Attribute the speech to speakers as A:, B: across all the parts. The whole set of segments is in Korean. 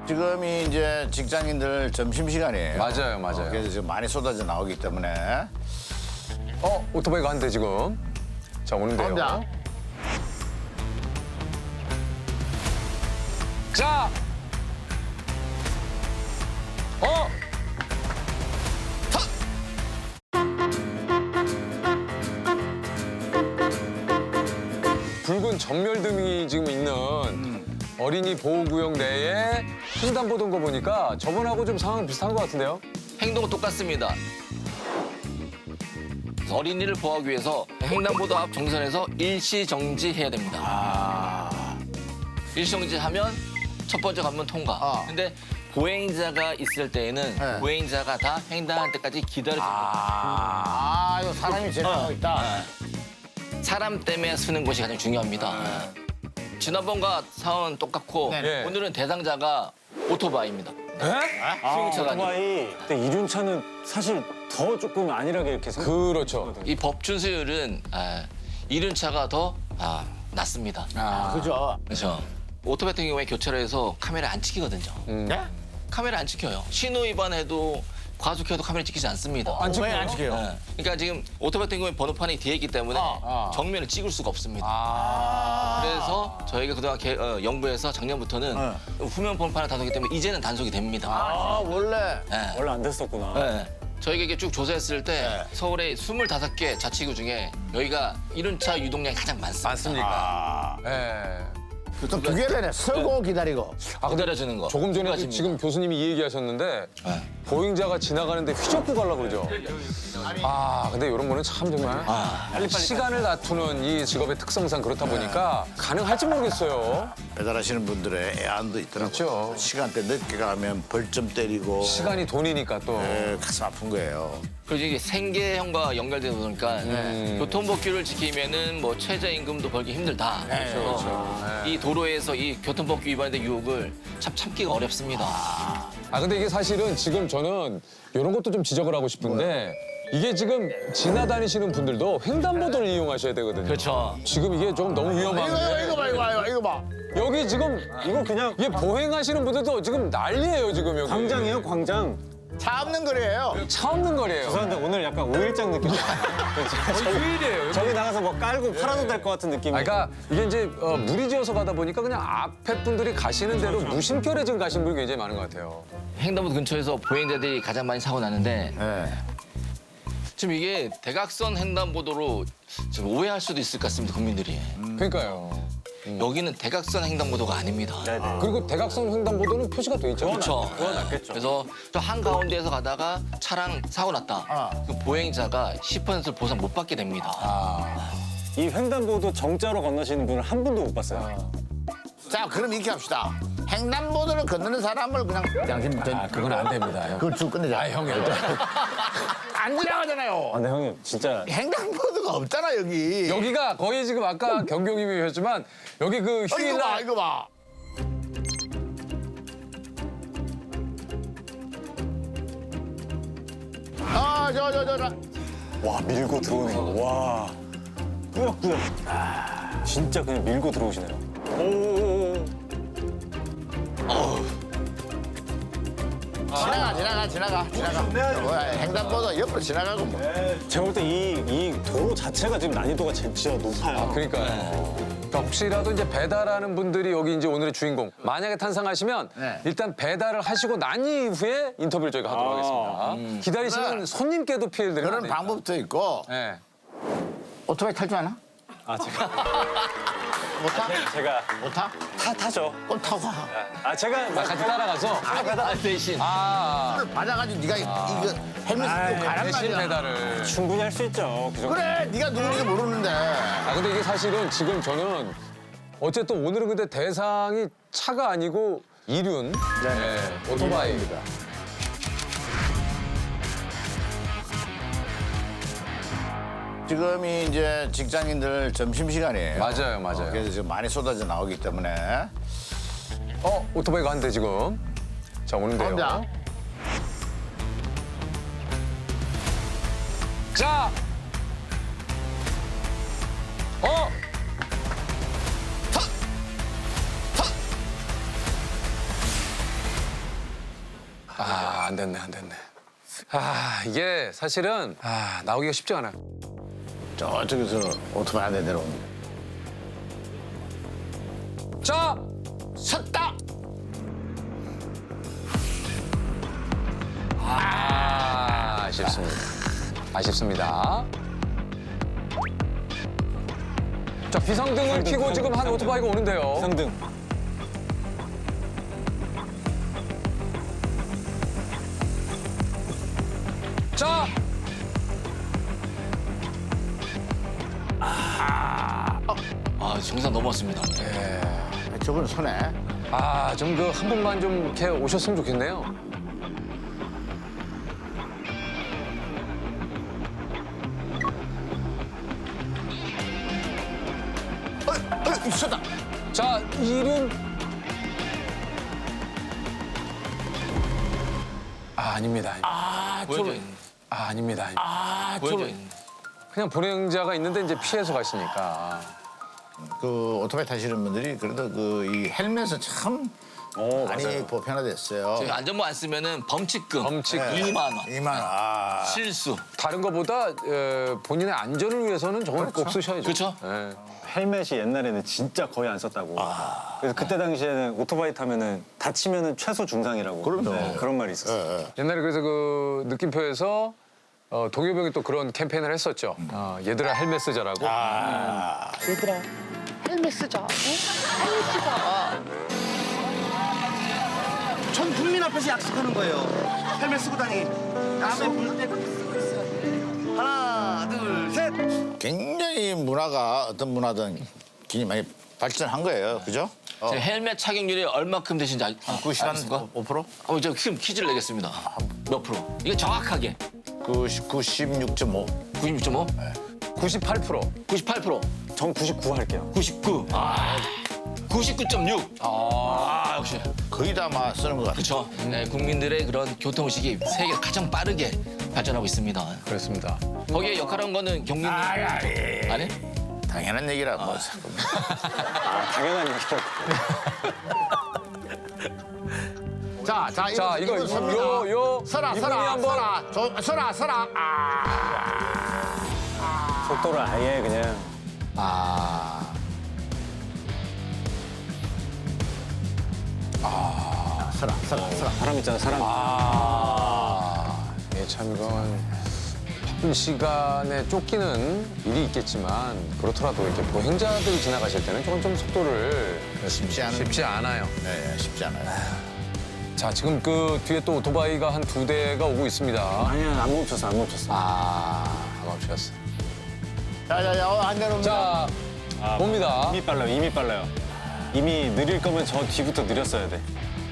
A: 지금이 이제 직장인들 점심시간이에요.
B: 맞아요, 맞아요.
A: 그래서 지금 많이 쏟아져 나오기 때문에.
B: 오토바이가 한 대 지금. 자, 오는데요.
A: 혼자.
B: 자! 붉은 전멸등이 지금 있는 어린이 보호구역 내에 횡단보도인 거 보니까 저번하고 좀 상황 비슷한 것 같은데요?
C: 행동은 똑같습니다. 어린이를 보호하기 위해서 횡단보도 앞 정선에서 일시 정지해야 됩니다. 일시정지하면 첫 번째 관문 통과. 근데 보행자가 있을 때에는
A: 네.
C: 보행자가 다 횡단할 때까지 기다려줍니다.
A: 이거 사람이 제압하고 있다.
C: 사람 때문에 쓰는 것이 가장 중요합니다. 지난번과 상황은 똑같고
A: 네.
C: 오늘은 대상자가 오토바이입니다. 승용차가 아니고.
D: 오토바이. 근데 이륜차는 사실 더 조금 안일하게 이렇게
B: 그렇죠.
C: 이 법준수율은 이륜차가 더 낮습니다.
A: 그죠?
C: 그렇죠. 오토바이 같은 경우에 교차로 해서 카메라 안 찍히거든요.
A: 네?
C: 카메라 안 찍혀요. 신호 위반해도 과속해도 카메라 찍히지 않습니다.
B: 안
A: 왜
B: 찍혀요?
A: 안 찍혀요?
C: 네. 그러니까 지금 오토바이 같은 경우에 번호판이 뒤에 있기 때문에 정면을 찍을 수가 없습니다. 그래서 저희가 그동안 연구해서 작년부터는 후면 번호판을 단속이기 때문에 이제는 단속이 됩니다.
A: 원래.
C: 네.
D: 원래 안 됐었구나.
C: 네. 저희가 이게 쭉 조사했을 때 서울의 25개 자치구 중에 여기가 이륜차 유동량이 가장 많습니다.
B: 맞습니까? 예.
A: 또 두 개를 해. 서고 기다리고.
C: 기다려주는 거.
B: 조금 전에
C: 두 가지입니다.
B: 지금 교수님이 이 얘기하셨는데 보행자가 지나가는데 휘젓고 가려고 그러죠. 근데 이런 거는 참 정말 시간을 다투는 이 직업의 특성상 그렇다 보니까 가능할지 모르겠어요.
A: 배달하시는 분들의 애안도 있더라고요.
B: 그렇죠.
A: 시간대 늦게 가면 벌점 때리고.
B: 시간이 돈이니까 또.
A: 가슴 아픈 거예요.
C: 그리고 이게 생계형과 연결되다 보니까 교통법규를 지키면은 뭐 최저임금도 벌기 힘들다. 그래서 이 도로에서 이 교통법규 위반의 유혹을 참 참기가 어렵습니다.
B: 근데 이게 사실은 지금 저는 이런 것도 좀 지적을 하고 싶은데 이게 지금 지나다니시는 분들도 횡단보도를 이용하셔야 되거든요.
C: 그렇죠.
B: 지금 이게 좀 너무 위험한 게
A: 이거 봐.
B: 여기 지금
D: 이거 그냥
B: 이게 보행하시는 분들도 지금 난리예요 지금 여기.
D: 광장이에요, 광장.
A: 차 없는 거리예요.
B: 차 없는 거리예요.
D: 죄송한데 오늘 약간 5일장 느낌.
B: 휴일이에요.
D: 저기 나가서 뭐 깔고 팔아도 될 것 같은 느낌이.
B: 그러니까 이게 이제 무리지어서 가다 보니까 그냥 앞에 분들이 가시는 대로 무심결에 지금 가시는 분이 굉장히 많은 것 같아요.
C: 횡단보도 근처에서 보행자들이 가장 많이 사고 나는데
A: 네.
C: 지금 이게 대각선 횡단보도로 지금 오해할 수도 있을 것 같습니다, 국민들이.
B: 그러니까요.
C: 여기는 대각선 횡단보도가 아닙니다.
D: 네네.
B: 그리고 대각선 횡단보도는 표시가 돼 있잖아요.
C: 그렇죠.
D: 그건 낫겠죠.
C: 그래서 저 한가운데에서 가다가 차량 사고 났다. 그 보행자가 10%를 보상 못 받게 됩니다.
D: 이 횡단보도 정자로 건너시는 분을 한 분도 못 봤어요.
A: 자, 그럼 이렇게 합시다. 횡단보도를 건너는 사람을 그냥 당신
B: 그건 안 됩니다. 형.
A: 그걸 쭉 끝내자.
B: 형이
A: 안 지나가잖아요.
D: 근데 형님 진짜
A: 횡단보도가 없잖아 여기.
B: 여기가 거의 지금 아까 경경님이 하셨지만 여기 그
A: 이거 봐,
B: 휴일날
A: 이거 봐. 저.
D: 와 밀고 들어오는 거. 와 꾸역꾸역. 진짜 그냥 밀고 들어오시네요. 오.
A: 지나가. 횡단보도 옆으로 지나가고 뭐.
D: 제가 볼 때 이 도로 자체가 지금 난이도가 진짜 높아요.
B: 그러니까요. 그러니까 혹시라도 이제 배달하는 분들이 여기 이제 오늘의 주인공 만약에 탄생하시면
A: 네.
B: 일단 배달을 하시고 난 이후에 인터뷰를 저희가 하도록 하겠습니다. 기다리시는
A: 그래.
B: 손님께도 피해를 드리면
A: 그런 방법도 있고.
B: 네.
A: 오토바이 탈 줄 아나?
D: 제가
A: 못 타?
D: 제가
A: 못 타?
D: 타죠.
A: 그럼 타고 가.
D: 제가
B: 같이 따라가서
C: 대신
A: 오늘 받아가지고 네가 이거 헬멧 쓰고 가란
B: 대신
A: 말이야.
B: 배달을.
D: 충분히 할 수 있죠. 그 정도.
A: 그래, 네가 누군지 모르는데.
B: 근데 이게 사실은 지금 저는 어쨌든 오늘은 근데 대상이 차가 아니고 이륜, 네, 오토바이입니다.
A: 지금이 이제 직장인들 점심시간이에요.
B: 맞아요.
A: 그래서 지금 많이 쏟아져 나오기 때문에.
B: 오토바이가 한 대 지금. 자, 오는데요.
A: 혼자.
B: 자! 아, 안 됐네, 안 됐네. 아, 이게 사실은 나오기가 쉽지 않아요.
A: 저쪽에서 오토바이 한 대 내려옵니다.
B: 자,
A: 섰다.
B: 아쉽습니다. 아쉽습니다. 자, 비상등을 켜고 지금 한 오토바이가 오는데요.
D: 상등.
B: 자,
C: 정상 넘었습니다.
A: 저분 손에
B: 좀 그 한 분만 좀 이렇게 오셨으면 좋겠네요.
A: 섰다.
B: 자, 이름. 아닙니다.
C: 보여져 있는.
B: 아닙니다.
C: 보여져 있는.
B: 그냥 불행자가 있는데 이제 피해서 가시니까.
A: 그 오토바이 타시는 분들이 그래도 그 이 헬멧은 참 많이
D: 맞아요.
A: 보편화됐어요.
C: 저희 안전모 안 쓰면은 범칙금.
B: 범칙금.
C: 2만 원.
A: 2만 원.
C: 실수.
B: 다른 것보다 본인의 안전을 위해서는 저걸 꼭 쓰셔야죠.
C: 그렇죠.
B: 예.
D: 헬멧이 옛날에는 진짜 거의 안 썼다고. 그래서 그때 당시에는 오토바이 타면은 다치면은 최소 중상이라고.
A: 그럼요.
D: 그런 말이 있었어요.
B: 옛날에 그래서 그 느낌표에서 동요병이 또 그런 캠페인을 했었죠. 얘들아 헬멧 쓰자라고.
A: 얘들아 헬멧 쓰자. 응? 헬멧 쓰자.
E: 전 국민 앞에서 약속하는 거예요. 헬멧 쓰고 다니. 다음에 볼 때 쓰고 있어야 돼. 하나, 둘, 셋.
A: 굉장히 문화가 어떤 문화든 굉장히 많이 발전한 거예요. 그죠?
C: 제 헬멧 착용률이 얼마큼 되신지 아십니까?
A: 5%?
C: 저 퀴즈를 내겠습니다. 몇 프로? 이거 정확하게.
A: 96.5.
C: 96.5?
B: 98%.
C: 98%.
D: 전 99 할게요.
C: 99. 99.6. 역시.
A: 거의 다 막 쓰는 것 같아요.
C: 그렇죠. 네, 국민들의 그런 교통의식이 세계에서 가장 빠르게 발전하고 있습니다.
B: 그렇습니다.
C: 거기에 역할한 거는 경민님. 아니?
A: 당연한 얘기라 뭐.
D: 당연한 얘기죠.
A: 자,
B: 자, 이거
A: 섭니다. 서라,
B: 이분이
A: 서라,
B: 한번
A: 서라. 서라, 서라.
D: 속도를 아예 그냥.
A: 서라, 서라, 서라.
D: 사람 있잖아, 사람.
B: 예, 참 이건 바쁜 시간에 쫓기는 일이 있겠지만 그렇더라도 이렇게 보행자들이 지나가실 때는 조금 좀 속도를 쉽지 않아요.
A: 네, 쉽지 않아요.
B: 자, 지금 그 뒤에 또 오토바이가 한 2대가 오고 있습니다.
D: 아니야, 안 멈췄어, 안 멈췄어.
B: 안 멈추셨어.
A: 자, 안 내려옵니다.
B: 자, 봅니다.
D: 이미 빨라요, 이미 빨라요. 이미 느릴 거면 저 뒤부터 느렸어야 돼.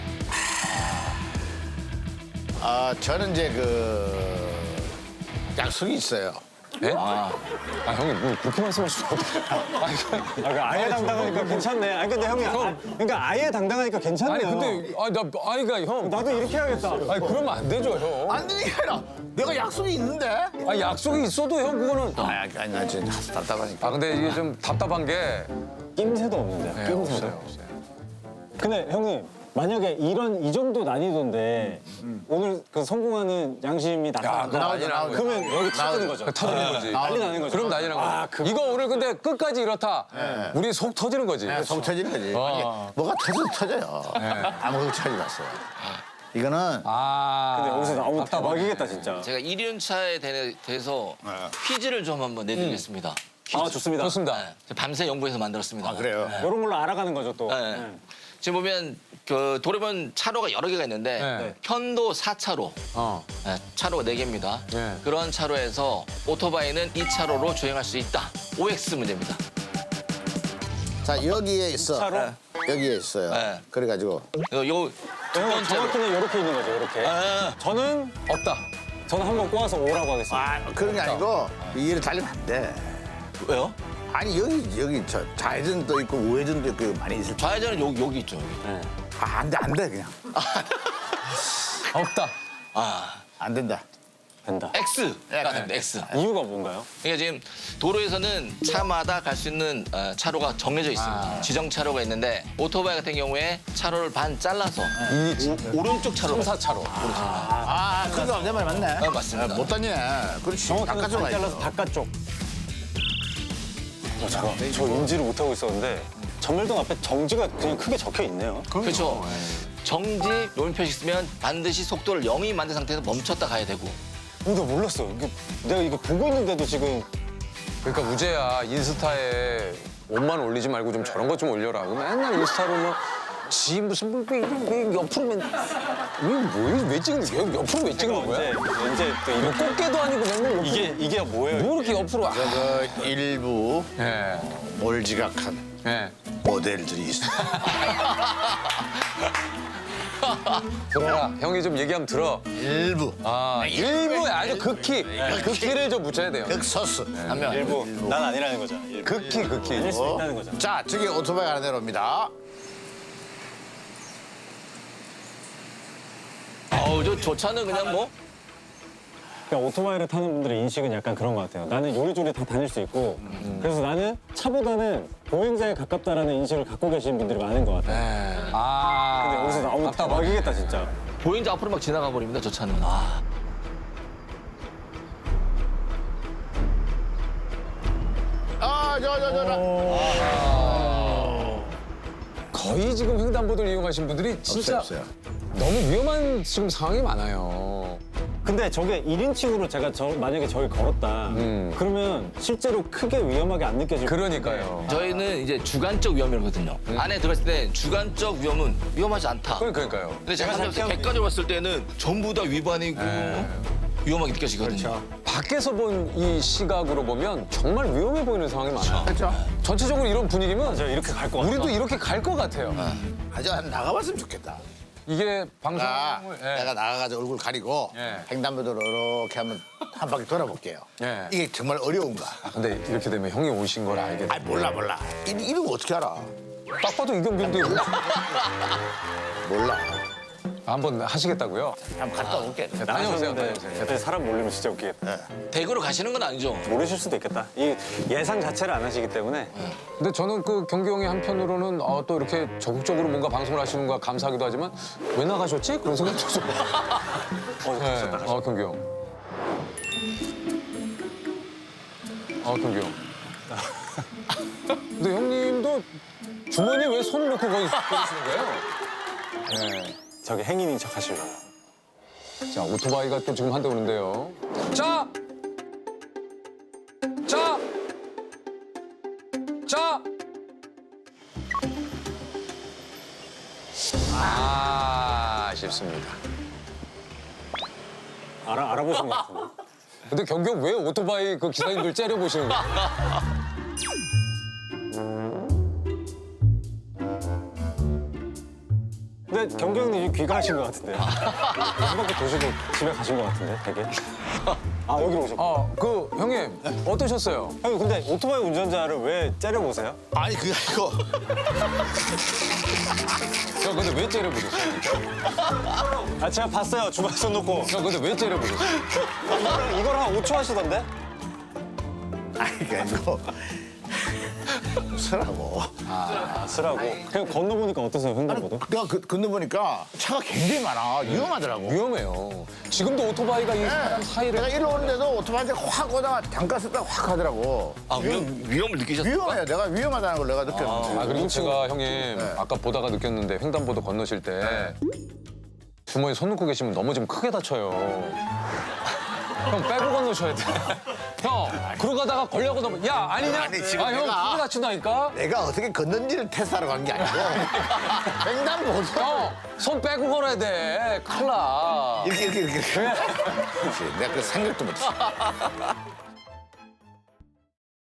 A: 저는 이제 그 약속이 있어요.
B: 예? 형님, 뭐 그렇게 말씀하시면 어떡해.
D: 아예 당당하니까 괜찮네. 아니, 근데 형이, 그러니까 아예 당당하니까 괜찮네요.
B: 아니, 근데, 그러니까 형.
D: 나도 이렇게 해야겠다.
B: 아니, 그러면 안 되죠, 형.
A: 안 되는 게 아니라 내가 약속이 있는데.
B: 약속이 있어도 형, 그거는.
A: 아니, 나 진짜 답답하니까.
B: 근데 이게 좀 답답한 게.
D: 낌새도 없는데.
B: 네, 없어요.
D: 근데 형님, 만약에 이 정도 난이도인데 오늘 그 성공하는 양심이 나타난다.
A: 나오죠.
D: 그러면 여기 터지는 거죠.
B: 터지는 거지.
D: 난리 나는 거죠.
B: 그럼 난리 나는 거지. 이거 오늘 근데 끝까지 이렇다. 우리 속 터지는 거지.
A: 속 터지는 거지. 아니, 뭐가 터져요. 아무것도 터지지 마세요. 이거는
D: 근데 여기서 나오면 대박이겠다, 진짜.
C: 제가 1륜차에 대해서 퀴즈를 좀 한번 내드리겠습니다. 퀴즈.
D: 좋습니다.
B: 좋습니다.
C: 네, 밤새 연구해서 만들었습니다.
A: 그래요.
D: 이런 걸로 알아가는 거죠, 또.
C: 네. 지금 보면 그 도로변 차로가 여러 개가 있는데
B: 네.
C: 편도 4차로 네, 차로가 4개입니다.
B: 네.
C: 그런 차로에서 오토바이는 2차로로 주행할 수 있다. OX 문제입니다.
A: 자, 여기에 있어.
D: 차로?
A: 여기에 있어요.
C: 네.
A: 그래가지고
C: 요 두
D: 형,
C: 번째로.
D: 정확히는 이렇게 있는 거죠, 이렇게. 저는 한번 꼬아서 오라고 하겠습니다.
A: 그런 게 아니고 이를 달리면 안 돼.
C: 왜요?
A: 아니 여기 저 좌회전도 있고 우회전도 있고 많이 있을 때.
C: 좌회전은 여기 있죠.
A: 안 돼 그냥.
B: 없다.
C: 아,
A: 안 된다.
D: 된다.
C: X가 됩니다. X.
D: 이유가 뭔가요?
C: 그러니까 지금 도로에서는 차마다 갈 수 있는 차로가 정해져 있습니다. 지정 차로가 있는데 오토바이 같은 경우에 차로를 반 잘라서 오른쪽 차로
B: 3, 4차로.
A: 그거 내 말 맞네.
C: 맞습니다.
A: 못 다니네. 그렇지.
D: 정확하게
A: 바깥쪽
D: 반 잘라서 바깥쪽. 잠깐, 저 인지를 못하고 있었는데 전멸등 앞에 정지가 그냥 크게 적혀 있네요.
C: 그렇죠. 정지 노면 표시 있으면 반드시 속도를 0이 만든 상태에서 멈췄다 가야 되고.
D: 나 몰랐어. 내가 이거 보고 있는데도 지금
B: 그러니까 우재야 인스타에 옷만 올리지 말고 좀 저런 것 좀 올려라. 맨날 인스타로 뭐 지 무슨 왜 옆으로 왜 찍는 거야? 옆으로 왜 찍는 거야?
D: 이제 또
B: 뭐
D: 이거
B: 꽃게도 아니고 맨날 옆으로.
D: 이게 뭐예요?
B: 뭐 이렇게 옆으로.
A: 그 일부
B: 예.
A: 몰지각한
B: 예.
A: 모델들이 있어.
B: 들어라. 형이 좀 얘기하면 들어.
A: 일부.
B: 일부에 아주 극히를 좀 묻혀야 돼요.
A: 극소수.
C: 하면
D: 일부 난 아니라는 거잖아.
B: 극히.
D: 아닐 수 있다는 거잖아.
A: 자, 저기 오토바이 하나 내려옵니다.
C: 저 차는 그냥 뭐
D: 그러니까 오토바이를 타는 분들의 인식은 약간 그런 것 같아요. 나는 요리조리 다 다닐 수 있고 그래서 나는 차보다는 보행자에 가깝다라는 인식을 갖고 계신 분들이 많은 것 같아요. 근데 여기서 나오면 대박이겠다 진짜.
C: 보행자 앞으로 막 지나가 버립니다. 저 차는.
B: 거의 지금 횡단보도를 이용하신 분들이 진짜
A: 없어요.
B: 너무 위험한 지금 상황이 많아요.
D: 근데 저게 1인칭으로 제가 만약에 저기 걸었다 그러면 실제로 크게 위험하게 안 느껴질
B: 그러니까요.
C: 저희는 이제 주관적 위험이거든요. 안에 들어갔을 때 주관적 위험은 위험하지 않다.
B: 그러니까요.
C: 근데 제가 객관적으로 봤을 때는 전부 다 위반이고 위험하게 느껴지거든요.
B: 밖에서 본 이 시각으로 보면 정말 위험해 보이는 상황이 많아요.
A: 그렇죠.
B: 전체적으로 이런 분위기면
D: 저 이렇게 갈 것 같아.
B: 우리도 이렇게 갈 것 같아요.
A: 아주 나가봤으면 좋겠다.
B: 이게 방송을
A: 내가 나가가지고 얼굴 가리고
B: 예.
A: 횡단보도로 이렇게 한번 한 바퀴 돌아볼게요.
B: 예.
A: 이게 정말 어려운가?
B: 근데 이렇게 되면 형이 오신 걸 알게 돼.
A: 아 몰라. 이런 거 어떻게 알아?
B: 딱 봐도 이경빈인데
A: 몰라.
B: 한번 하시겠다고요?
A: 한번 갔다 올게.
B: 다녀오세요.
D: 옆에 사람 몰리면 진짜 웃기겠다.
C: 대구로 가시는 건 아니죠?
D: 모르실 수도 있겠다. 이 예상 자체를 안 하시기 때문에
B: 근데 저는 그 경규 형이 한편으로는 또 이렇게 적극적으로 뭔가 방송을 하시는 거 감사하기도 하지만 왜 나가셨지? 그런 생각도 좀. 경규 형. 경규 형. 근데 형님도 주머니에 왜 손을 넣고 거기 계시는 거예요? 네.
D: 저기 행인인 척 하시려고.
B: 자, 오토바이가 또 지금 한 대 오는데요. 자! 자! 자! 아쉽습니다.
D: 알아보신 것 같은데.
B: 근데 경규 형 왜 오토바이 그 기사님들 째려보시는 거야?
D: 근데 경기 형님 지금 귀가하신 것 같은데. 한 바퀴 도시고 집에 가신 것 같은데, 되게. 여기로 오셨고.
B: 형님, 어떠셨어요?
D: 형님, 근데 오토바이 운전자를 왜 째려보세요?
A: 아니 그게 아니고
B: 형, 근데 왜 째려보셨어요?
D: 제가 봤어요. 주방에 손 놓고.
B: 형, 근데 왜 째려보셨어요?
D: 이거를 한 5초 하시던데?
A: 아니 그게 아니고 쓰라고.
D: 쓰라고. 그냥 건너보니까 어떠세요, 횡단보도?
A: 내가 건너보니까 차가 굉장히 많아. 위험하더라고.
B: 위험해요. 지금도 오토바이가 이 사람 사이를.
A: 내가 일로 오는데도 오토바이한테 확 오다가 잠깐 썼다가 확 하더라고.
C: 위험을 느끼셨어요?
A: 위험해. 내가 위험하다는 걸 내가 느꼈는데.
B: 그리고 제가 형님 아까 보다가 느꼈는데 횡단보도 건너실 때 주머니 손 놓고 계시면 넘어지면 크게 다쳐요. 형 빼고 건너셔야 돼. 형 그러고 가다가 걸려고 넘어. 야 아니냐?
A: 아니, 지금
B: 형
A: 내가-
B: 크게 다친다니까.
A: 내가 어떻게 걷는지를 테스트하러 간 게 아니고 횡단보도
B: 형 손 빼고 걸어야 돼. 큰일 나.
A: 이렇게. 그렇지. 내가 그 생각도 못했어.